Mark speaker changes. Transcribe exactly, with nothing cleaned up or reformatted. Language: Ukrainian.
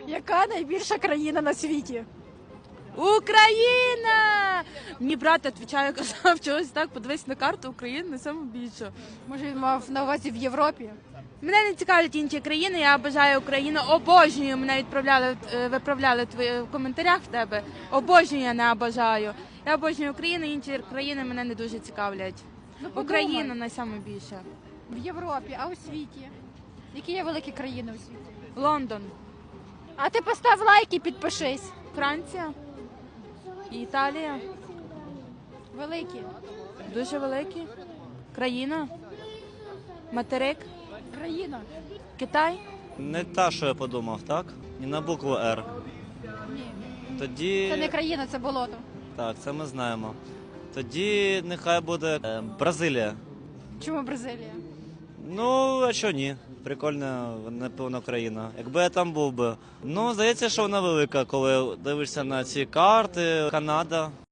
Speaker 1: Яка найбільша країна на світі?
Speaker 2: Україна! Мені брат відповідає, казав чогось так, подивись на карту України, не саме більше.
Speaker 1: Може, він мав на увазі в Європі?
Speaker 2: Мене не цікавлять інші країни, я бажаю Україну, обожнюю, мене відправляли, е, виправляли твої в коментарях в тебе. Обожнюю, я не обожаю. Я обожнюю Україну, інші країни мене не дуже цікавлять.
Speaker 1: Ну, подумай.
Speaker 2: Україна найбільше.
Speaker 1: В Європі, а у світі? Які є великі країни у світі?
Speaker 2: Лондон,
Speaker 1: А ти постав лайк і підпишись.
Speaker 2: Франція, Італія,
Speaker 1: Великі.
Speaker 2: дуже великі. Країна, материк,
Speaker 1: Країна.
Speaker 2: Китай.
Speaker 3: Не та, що я подумав, так? І на букву Р.
Speaker 1: Ні.
Speaker 3: Тоді...
Speaker 1: Це не країна, це болото.
Speaker 3: Так, це ми знаємо. Тоді нехай буде е, Бразилія.
Speaker 1: Чому Бразилія?
Speaker 3: Ну, а що ні? Прикольна, напевно, країна. Якби я там був би. Ну, здається, що вона велика, коли дивишся на ці карти. Канада.